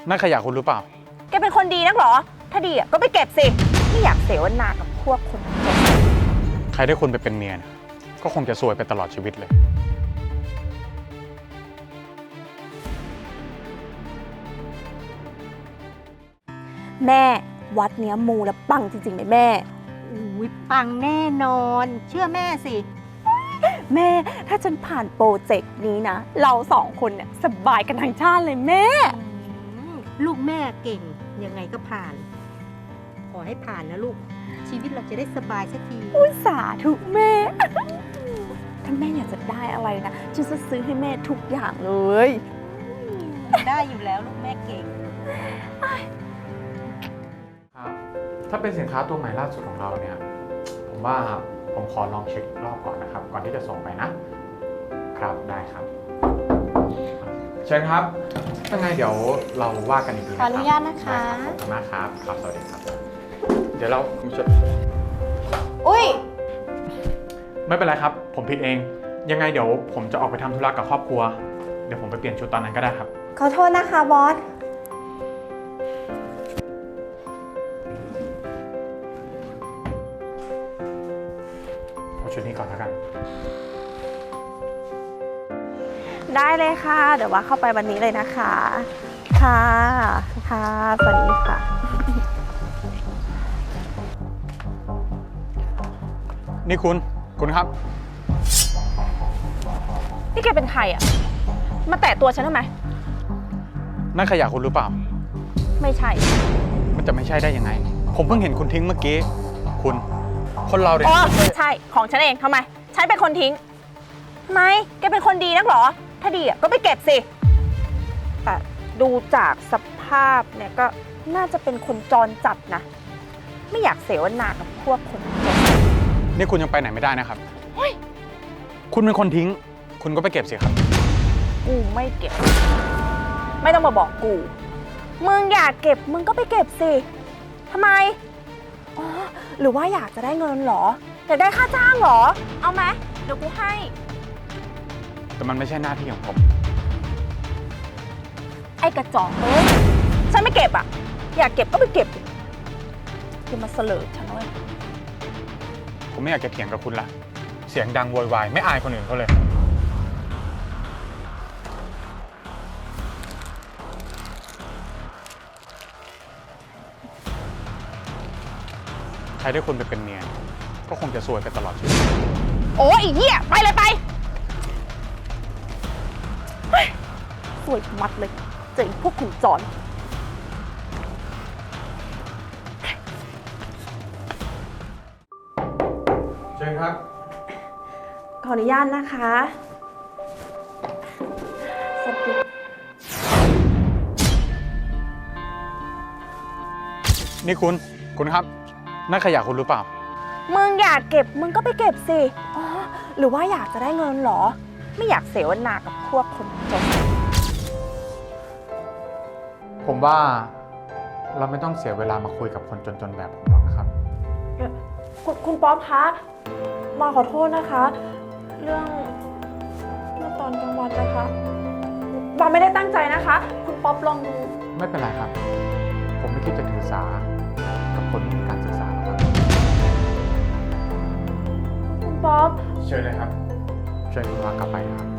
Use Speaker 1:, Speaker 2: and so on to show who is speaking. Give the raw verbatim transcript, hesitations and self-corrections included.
Speaker 1: นั่นขยะคุณหรือเปล่า
Speaker 2: แกเป็นคนดีนักเหรอถ้าดีอ่ะก็ไปเก็บสิไม่อยากเสวนากับพวกคนจน
Speaker 1: ใครได้คุณไปเป็นเมียเนี่ยก็คงจะซวยไปตลอดชีวิตเลย
Speaker 2: แม่วัดเนี้ยมูแล้วปังจริงๆไหมแม่
Speaker 3: อุ้ยปังแน่นอน เชื่อแม่สิ
Speaker 2: แม่ถ้าฉันผ่านโปรเจกต์นี้นะเราสองคนเนี่ยสบายกันทั้งชาติเลยแม่
Speaker 3: ลูกแม่เก่งยังไงก็ผ่าน ขอให้ผ่านนะลูกชีวิตเราจะได้สบายสักที
Speaker 2: อุตส่าห์ทุกแม่ถ้าแม่อยากจะได้อะไรนะฉันจะซื้อให้แม่ทุกอย่างเลย
Speaker 3: ได้อยู่แล้วลูกแม่เก่ง
Speaker 1: ครับถ้าเป็นสินค้าตัวใหม่ล่าสุดของเราเนี่ยผมว่าผมขอลองเช็ครอบก่อนนะครับก่อนที่จะส่งไปนะครับได้ครับเชิญครับยังไงเดี๋ยวเราว่ากันอีกทีนะครับ
Speaker 2: ขออนุญาตนะคะ
Speaker 1: ขอบคุณมากครับครับสวัสดีครับเดี๋ยวเราคุณชด
Speaker 2: อุ้ย
Speaker 1: ไม่เป็นไรครับผมผิดเองยังไงเดี๋ยวผมจะออกไปทำธุระกับครอบครัวเดี๋ยวผมไปเปลี่ยนชุดตอนนั้นก็ได้ครับ
Speaker 2: ขอโทษนะคะบอส
Speaker 1: เอาชุดนี้ก่อนแล้วกัน
Speaker 2: ได้เลยค่ะเดี๋ยวว่าเข้าไปวันนี้เลยนะคะค่ะค่ะสวัสดีค่ะ
Speaker 1: นี่คุณคุณครับ
Speaker 2: นี่แกเป็นใครอ่ะมาแตะตัวฉันทำไม
Speaker 1: นั่นขยะคุณหรือเปล่า
Speaker 2: ไม่ใช่
Speaker 1: มันจะไม่ใช่ได้ยังไงผมเพิ่งเห็นคุณทิ้งเมื่อกี้คุณคนเราเนี่ย
Speaker 2: อ๋อใช่ของฉันเองทำไมฉันเป็นคนทิ้งทำไมแกเป็นคนดีนักเหรอถ้าดีอ่ะก็ไปเก็บสิแต่ดูจากสภาพเนี่ยก็น่าจะเป็นคนจรจัดนะไม่อยากเสวนากับพวกคนจน
Speaker 1: นี่คุณยังไปไหนไม่ได้นะครับคุณเป็นคนทิ้งคุณก็ไปเก็บสิครับ
Speaker 2: กูไม่เก็บไม่ต้องมาบอกกูมึงอยากเก็บมึงก็ไปเก็บสิทำไมอ๋อหรือว่าอยากจะได้เงินเหรออยากได้ค่าจ้างเหรอเอาไหมเดี๋ยวกูให้
Speaker 1: แต่มันไม่ใช่หน้าที่ของผม
Speaker 2: ไอ้กระจอกเอ้ยฉันไม่เก็บอ่ะอยากเก็บก็ไปเก็บอย่ามาเสลอฉันเลย
Speaker 1: ผมไม่อยากจะเถียงกับคุณละเสียงดังโวยวายไม่อายคนอื่นเขาเลยใครได้คุณไปเป็นเมียก็คงจะซวยไปตลอดชีวิต
Speaker 2: โอ้ยเหี้ยไปเลยไปสวยมัดเลยเจ๋งพวกขุนจร
Speaker 1: เชิญครับ
Speaker 2: ขออนุญาตนะคะสวัสดี
Speaker 1: นี่คุณคุณครับนั่นขยะคุณหรือเปล่า
Speaker 2: มึงอยากเก็บมึงก็ไปเก็บสิอ๋อหรือว่าอยากจะได้เงินเหรอไม่อยากเสวนากับพวกคนจน
Speaker 1: ผมว่าเราไม่ต้องเสียเวลามาคุยกับคนจนๆแบบผมหรอกนะครับ
Speaker 2: คุณคุณป๊อปคะมาขอโทษนะคะ เรื่องเมื่อตอนกลางวันนะคะบอมไม่ได้ตั้งใจนะคะคุณป๊อปลองดู
Speaker 1: ไม่เป็นไรครับผมไม่คิดจะถือสากับคนไม่มีการศึกษาหรอกครับ
Speaker 2: คุณป๊อป
Speaker 1: เชิญเลยครับเชิญคุณวากลับไปนะครับ